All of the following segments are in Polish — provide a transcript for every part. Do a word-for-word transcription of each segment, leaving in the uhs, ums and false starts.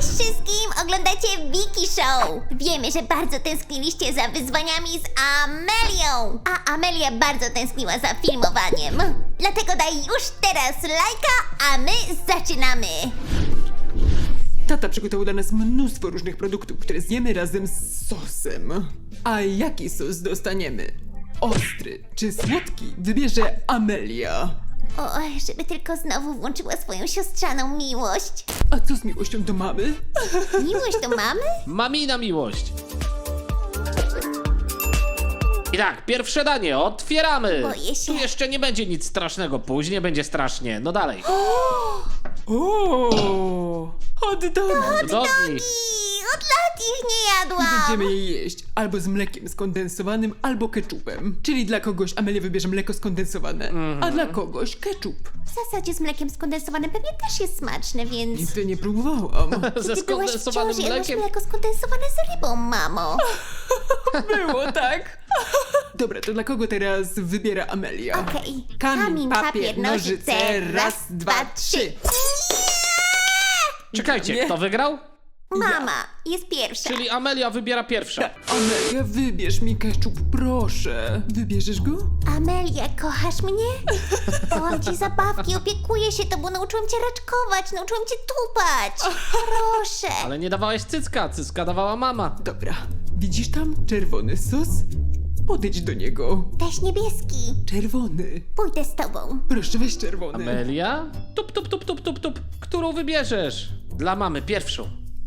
Cześć wszystkim! Oglądacie Wiki Show! Wiemy, że bardzo tęskniliście za wyzwaniami z Amelią! A Amelia bardzo tęskniła za filmowaniem. Dlatego daj już teraz lajka, a my zaczynamy! Tata przygotował dla nas mnóstwo różnych produktów, które zjemy razem z sosem. A jaki sos dostaniemy? Ostry czy słodki? Wybierze Amelia. O, żeby tylko znowu włączyła swoją siostrzaną miłość. A co z miłością do mamy? Miłość do mamy? Mamina miłość. I tak, pierwsze danie, otwieramy. Boję się. Tu jeszcze nie będzie nic strasznego, później będzie strasznie. No dalej. O, hot dog! Dogi. I od lat ich nie jadłam! Będziemy je jeść albo z mlekiem skondensowanym, albo ketchupem. Czyli dla kogoś Amelia wybierze mleko skondensowane, a dla kogoś ketchup. W zasadzie z mlekiem skondensowanym pewnie też jest smaczne, więc... Nigdy nie próbowałam. Ze Ty byłaś w skondensowanym ciąży, jadłaś mlekiem. mleko skondensowane z rybą, mamo. Było tak? Dobra, to dla kogo teraz wybiera Amelia? Okej. Kamień, papier, nożyce, raz, dwa, trzy. Czekajcie, Nie. kto wygrał? Mama jest pierwsza. Czyli Amelia wybiera pierwsza. Amelia, wybierz mi ketchup, proszę. Wybierzesz go? Amelia, kochasz mnie? Dałam ci zabawki, opiekuję się tobą, nauczyłam cię raczkować, nauczyłam cię tupać. Proszę. Ale nie dawałeś cycka, cycka dawała mama. Dobra, widzisz tam czerwony sos? Podejdź do niego. Weź niebieski. Czerwony. Pójdę z tobą. Proszę, weź czerwony. Amelia? Tup, tup, tup, tup, tup, tup. Którą wybierzesz? Dla mamy pierwszą.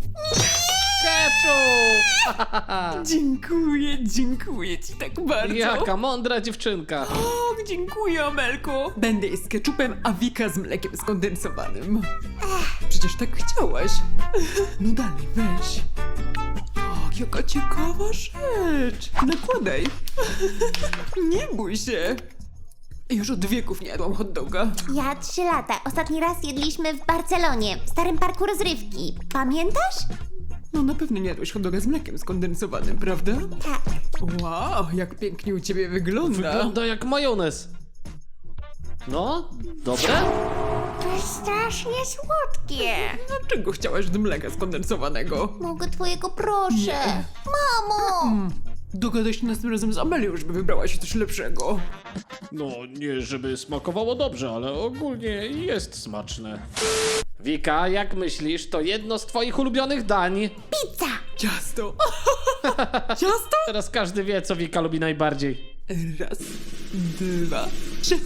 Ketchup! Dziękuję, dziękuję ci tak bardzo. Jaka mądra dziewczynka. O, dziękuję, Amelko. Będę jeść z ketchupem, a Wika z mlekiem skondensowanym. Przecież tak chciałaś. No dalej, weź. O, jaka ciekawa rzecz. Nakładaj. Nie bój się. Już od wieków nie jadłam hot doga. Ja trzy lata. Ostatni raz jedliśmy w Barcelonie, w starym parku rozrywki. Pamiętasz? No na pewno nie jadłeś hot doga z mlekiem skondensowanym, prawda? Tak. Wow, jak pięknie u ciebie wygląda. Wygląda jak majonez. No, dobre? To jest strasznie słodkie. Dlaczego chciałaś do mleka skondensowanego? Mogę twojego, proszę. Nie. Mamo! Dogadaj się następnym razem z Amelią, żeby wybrała się coś lepszego. No, nie żeby smakowało dobrze, ale ogólnie jest smaczne. Wika, jak myślisz, to jedno z twoich ulubionych dań? Pizza! Ciasto. Ciasto? Teraz każdy wie, co Wika lubi najbardziej. Raz, dwa, trzy.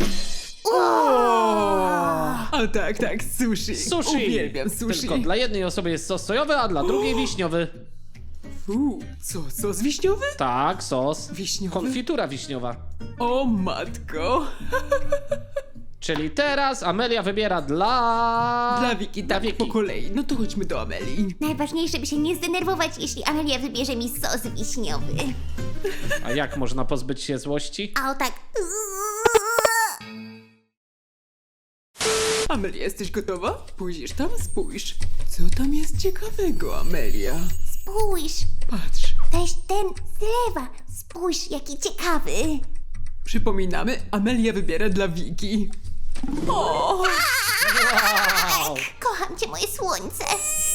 O, tak, tak, sushi. Sushi! Uwielbiam sushi. Tylko dla jednej osoby jest sos sojowy, a dla drugiej wiśniowy. Fu, co, sos wiśniowy? Tak, sos. Wiśniowy? Konfitura wiśniowa. O matko. Czyli teraz Amelia wybiera dla... Dla Wiki, Dla tak, Wiki. po kolei. No to chodźmy do Amelii. Najważniejsze, by się nie zdenerwować, jeśli Amelia wybierze mi sos wiśniowy. A jak można pozbyć się złości? A o tak... Amelia, jesteś gotowa? Pójdziesz tam? Spójrz. Co tam jest ciekawego, Amelia? Spójrz, Patrz. weź ten z lewa. Spójrz, jaki ciekawy. Przypominamy, Amelia wybiera dla Wiki. O! Wow. Kocham cię, moje słońce.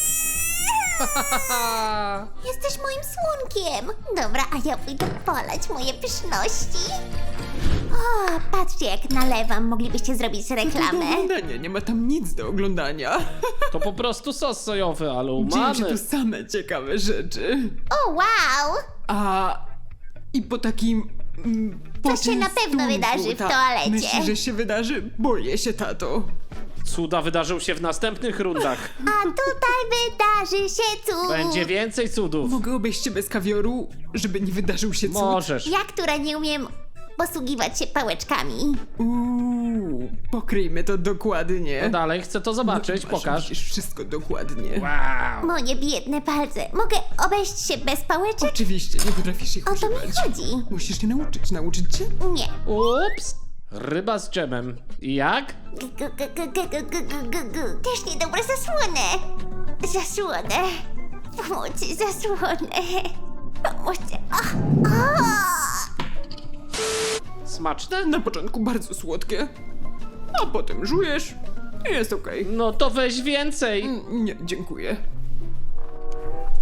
Jesteś moim słonkiem. Dobra, a ja pójdę polać moje pyszności. O, patrzcie jak nalewam. Moglibyście zrobić Do reklamę. oglądania, nie ma tam nic do oglądania. To po prostu sos sojowy, ale u Dzieją się mamy. tu same ciekawe rzeczy. O, wow! A... i po takim... mm, To się na pewno poczęstunku, wydarzy w tak. toalecie. Myślisz, że się wydarzy? Boję się, tato. Cuda wydarzą się w następnych rundach. A tutaj wydarzy się cud. Będzie więcej cudów. Mogę obejść się bez kawioru, żeby nie wydarzył się cud? Możesz. Ja, która nie umiem posługiwać się pałeczkami. Uuu, pokryjmy to dokładnie. No dalej, chcę to zobaczyć, Masz, pokaż. Widzisz wszystko dokładnie. Wow. Moje biedne palce. Mogę obejść się bez pałeczek? Oczywiście, nie potrafisz ich O to mi używać. chodzi. Musisz się nauczyć. Nauczyć cię? Nie. Ups. Ryba z dżemem. I jak? G- g- g- g- g- g- g- g- g- Też niedobre zasłonę. Zasłonę. Pomocy, zasłonę. Pomocy. Ach, ach. Smaczne? Na początku bardzo słodkie, a potem żujesz i jest okej. No to weź więcej. Mm, Nie, dziękuję.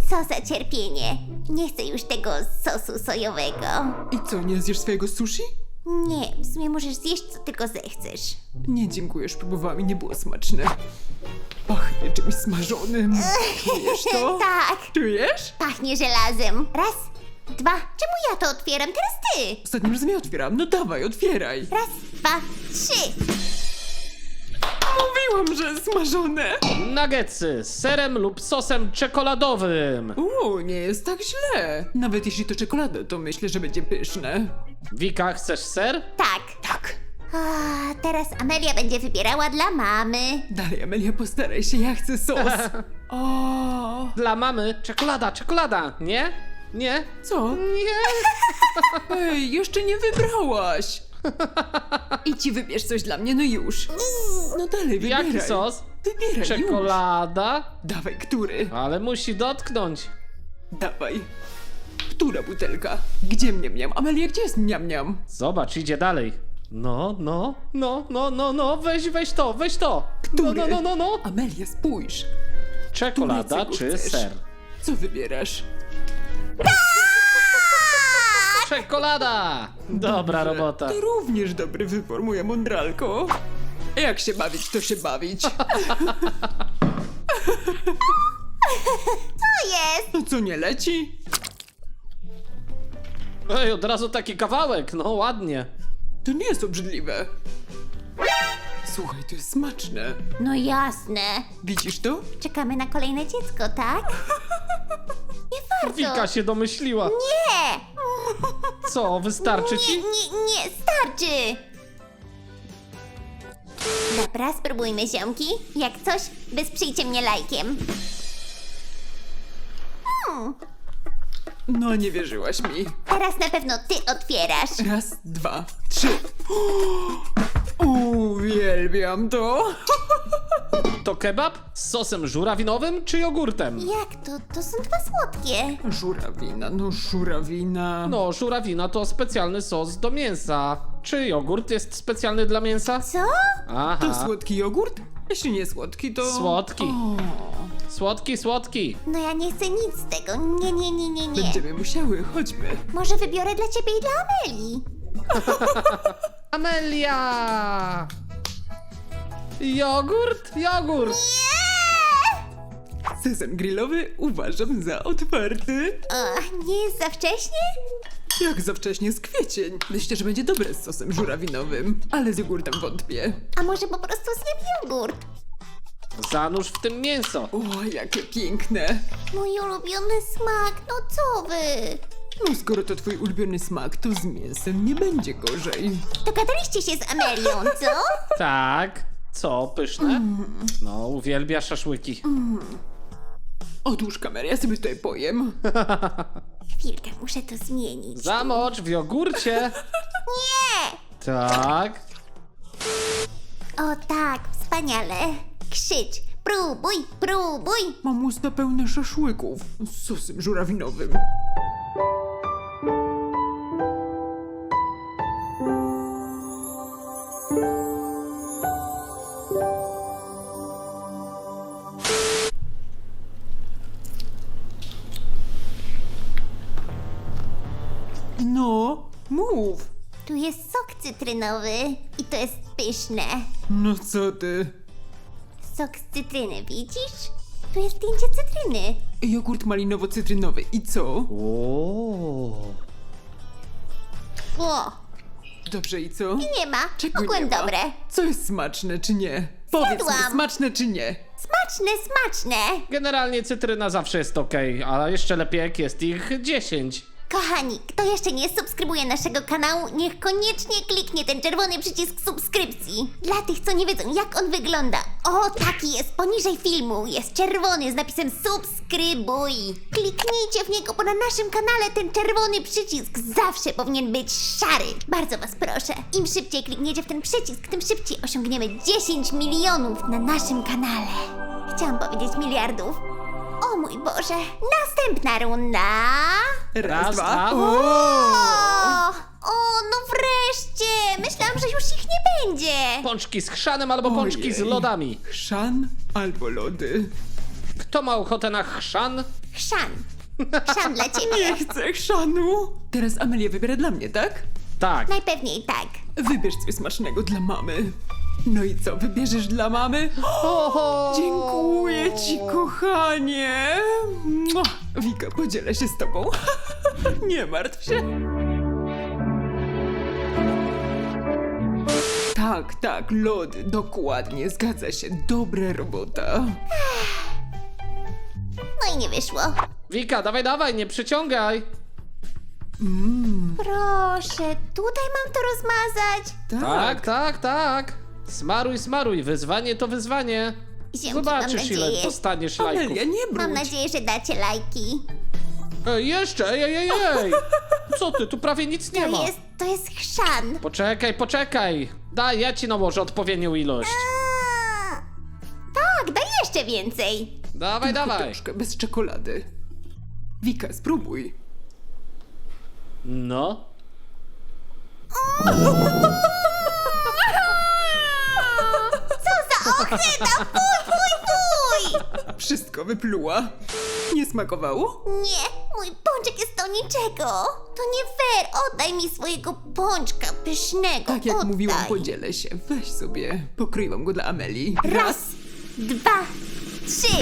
Co za cierpienie. Nie chcę już tego sosu sojowego. I co, nie zjesz swojego sushi? Nie, w sumie możesz zjeść co tylko zechcesz. Nie, dziękuję, już próbowałam i nie było smaczne. Pachnie czymś smażonym. Czujesz to? Tak, Czujesz? pachnie żelazem. Raz, dwa. Czemu ja to otwieram? Teraz ty. Ostatnim razem ja otwieram. No dawaj, otwieraj. Raz, dwa, trzy. Mówiłam, że smażone. Nuggetsy z serem lub sosem czekoladowym. Uuu, nie jest tak źle. Nawet jeśli to czekolada, to myślę, że będzie pyszne. Wika, chcesz ser? Tak. Tak. A, teraz Amelia będzie wybierała dla mamy. Dalej, Amelia, postaraj się, ja chcę sos. O, Dla mamy czekolada, czekolada. Nie? Nie? co? Nie. Ej, jeszcze nie wybrałaś. Idź i wybierz coś dla mnie, no już. No dalej, wybieraj. Jaki sos? Wybieraj już. Czekolada? Dawaj, który? Ale musi dotknąć. Dawaj. Która butelka? Gdzie mniam-mniam? Amelia, gdzie jest mniam-mniam? Zobacz, idzie dalej. No, no, no, no, no, no, weź, weź to, weź to. No, Który? no, no, no, no. Amelia, spójrz. Czekolada Którego czy chcesz? ser? Co wybierasz? Czekolada! Dobra Dobrze. robota. To również dobry wybór, moja mądralko. Jak się bawić, to się bawić. To jest. No co, nie leci? Ej, od razu taki kawałek, no ładnie. To nie jest obrzydliwe. Słuchaj, to jest smaczne. No jasne. Widzisz to? Czekamy na kolejne dziecko, tak? Nie warto. Wika się domyśliła. Nie. Co, wystarczy Nie, ci? nie, nie, starczy! Dobra, spróbujmy ziomki. Jak coś, wesprzyjcie mnie lajkiem. Hmm, No, nie wierzyłaś mi. teraz na pewno ty otwierasz. Raz, dwa, trzy. Uwielbiam to. To kebab z sosem żurawinowym czy jogurtem? Jak to? To są dwa słodkie. Żurawina, no żurawina. No, żurawina to specjalny sos do mięsa. Czy jogurt jest specjalny dla mięsa? Co? Aha. To słodki jogurt? Jeśli nie słodki, to... Słodki. O, Słodki, słodki. No ja nie chcę nic z tego. Nie, nie, nie, nie, nie. będziemy musiały, chodźmy. Może wybiorę dla ciebie i dla Ameli. Amelia! Jogurt? Jogurt! Sezon grillowy uważam za otwarty. O, nie jest za wcześnie? Jak za wcześnie z kwiecień. Myślę, że będzie dobre z sosem żurawinowym, ale z jogurtem wątpię. A może po prostu zjem jogurt? Zanurz w tym mięso. O, jakie piękne. Mój ulubiony smak, no co wy? No skoro to twój ulubiony smak, to z mięsem nie będzie gorzej. Dogadaliście się z Amelią, co? Tak. Co, pyszne? No, uwielbia szaszłyki. Otóż kamerę, ja sobie tutaj pojem. Chwilkę, muszę to zmienić. Zamocz w jogurcie. Nie! Tak. O tak, wspaniale. Krzycz, próbuj, próbuj. Mam usta pełne szaszłyków z sosem żurawinowym. No, mów. Tu jest sok cytrynowy i to jest pyszne. No co ty? Sok z cytryny, widzisz? Tu jest zdjęcie cytryny. Jogurt malinowo-cytrynowy i co? O. O, Dobrze i co? i nie ma. Czego Ogółem nie ma? dobre. Co jest smaczne czy nie? Powiedz mi, Zjadłam. smaczne czy nie? Smaczne, smaczne. Generalnie cytryna zawsze jest ok, ale jeszcze lepiej jak jest ich dziesięć. Kochani, kto jeszcze nie subskrybuje naszego kanału, niech koniecznie kliknie ten czerwony przycisk subskrypcji. Dla tych, co nie wiedzą, jak on wygląda. O, taki jest poniżej filmu. Jest czerwony z napisem subskrybuj. Kliknijcie w niego, bo na naszym kanale ten czerwony przycisk zawsze powinien być szary. Bardzo was proszę. Im szybciej klikniecie w ten przycisk, tym szybciej osiągniemy dziesięć milionów na naszym kanale. Chciałam powiedzieć miliardów. O mój Boże, następna runda. Raz, dwa. O, o, no wreszcie! Myślałam, że już ich nie będzie. Pączki z chrzanem albo pączki z Ojej. lodami. Chrzan albo lody. Kto Kto ma ochotę na chrzan? Chrzan. Chrzan dla ciebie. Nie chcę chrzanu. Teraz Amelia wybiera dla mnie, tak? Tak. Najpewniej tak. Wybierz coś smacznego dla mamy. No i co, wybierzesz dla mamy? Oho! Dziękuję ci, kochanie. Mua. Wika, podzielę się z tobą. Nie martw się. Tak, tak, lody, dokładnie, zgadza się. Dobra robota. No i nie wyszło. Wika, dawaj, dawaj, nie przyciągaj. Proszę, tutaj mam to rozmazać. Tak, tak, tak. Smaruj, smaruj, wyzwanie to wyzwanie. Ziemki, Zobaczysz, mam ile nadzieję. dostaniesz lajków. Amelia, nie Mam brudź. nadzieję, że dacie lajki. Ej, jeszcze, ej, ej, ej, ej. Co ty, tu prawie nic nie To ma. jest, to jest chrzan. Poczekaj, poczekaj. Daj, ja ci nałożę odpowiednią ilość. A, tak, daj jeszcze więcej. Dawaj, dawaj. Troszkę bez czekolady. Wika, spróbuj. No. Co za ochyda, fuj, fuj, fuj. Wszystko wypluła. Nie smakowało? Nie, mój pączek jest do niczego. To nie fair, oddaj mi swojego pączka pysznego. Tak jak oddaj. mówiłam, podzielę się. Weź sobie. Pokryłam go dla Amelii. Raz, dwa, trzy.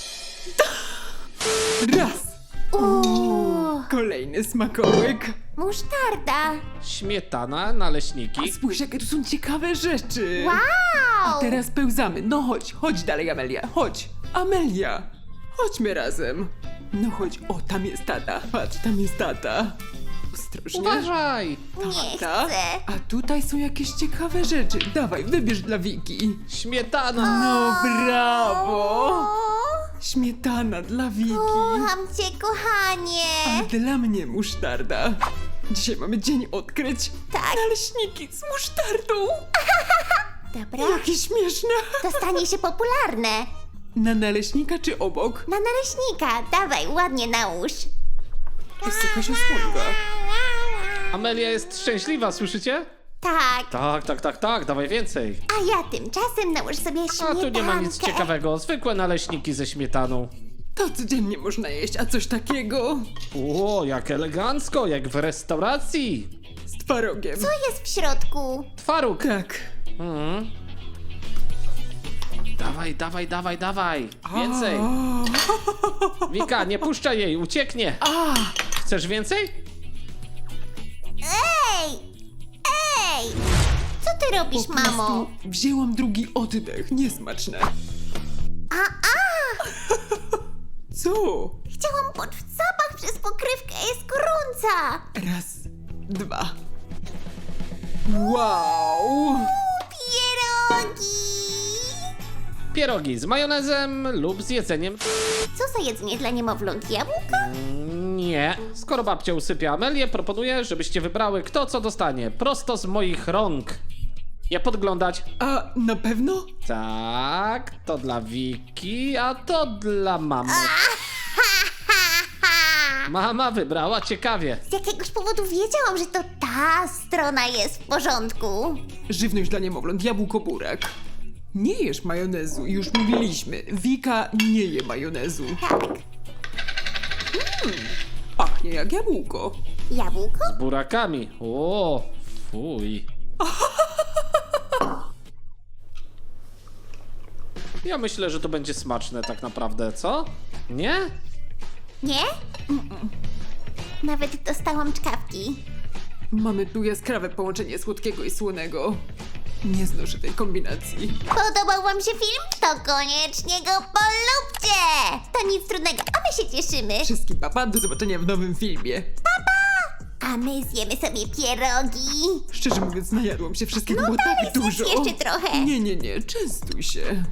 Raz. Uuu, Kolejny smakołyk. musztarda. Śmietana, naleśniki. Spójrz, jakie tu są ciekawe rzeczy. Wow. Teraz pełzamy. No chodź, chodź dalej, Amelia. Chodź. Amelia. Chodźmy razem. No chodź. O, tam jest tata. Patrz, tam jest tata. Ostrożnie. Uważaj. Nie Tata. chcę. A tutaj są jakieś ciekawe rzeczy. Dawaj, wybierz dla Wiki. Śmietana. No brawo. O, Śmietana dla Wiki. kocham cię, kochanie. A dla mnie musztarda. Dzisiaj mamy dzień odkryć. Tak. Naleśniki z musztardą. Dobra, Jakie śmieszne. to stanie się popularne. Na naleśnika czy obok? Na naleśnika, dawaj, ładnie nałóż. Jest jakaś osłonka. Amelia jest szczęśliwa, słyszycie? Tak, Tak, tak, tak, tak, dawaj więcej. a ja tymczasem nałóż sobie A śmietankę. tu nie ma nic ciekawego, zwykłe naleśniki ze śmietaną. To codziennie można jeść, a coś takiego O, jak elegancko, jak w restauracji. z twarogiem. Co jest w środku? Twaróg. Tak. Mhm. Dawaj, dawaj, dawaj, dawaj. Więcej. A, Wika, nie puszczaj jej, ucieknie. a, Chcesz więcej? Ej! Ej! Co ty robisz, po mamo? prostu wzięłam drugi oddech. Niesmaczne. A, a! Co? Chciałam poczuć zapach przez pokrywkę, jest gorąca! Raz, dwa. Wow. Pierogi! Pierogi z majonezem lub z jedzeniem. Co za jedzenie dla niemowląt? Jabłka? Nie. Skoro babcia usypia Amelię, proponuję, żebyście wybrały kto co dostanie. Prosto z moich rąk. Nie podglądać. A na pewno? Tak, to dla Wiki, a to dla mamy. Mama wybrała ciekawie. Z jakiegoś powodu wiedziałam, że to ta strona jest w porządku. Żywność dla niemowląt, jabłko burak. Nie jesz majonezu, już mówiliśmy. Wika nie je majonezu. Tak. Pachnie jak jabłko. Jabłko? Z burakami. O, fuj. Ja myślę, że to będzie smaczne tak naprawdę, co? Nie? Nie? Nawet dostałam czkawki. Mamy tu jaskrawe połączenie słodkiego i słonego. Nie znoszę tej kombinacji. Podobał wam się film? To koniecznie go polubcie! To nic trudnego, a my się cieszymy. Wszystkim papa, do zobaczenia w nowym filmie. A my zjemy sobie pierogi. Szczerze mówiąc, najadłam się wszystkiego, No było dalej, tak zjedz dużo. jeszcze trochę. Nie, nie, nie, częstuj się.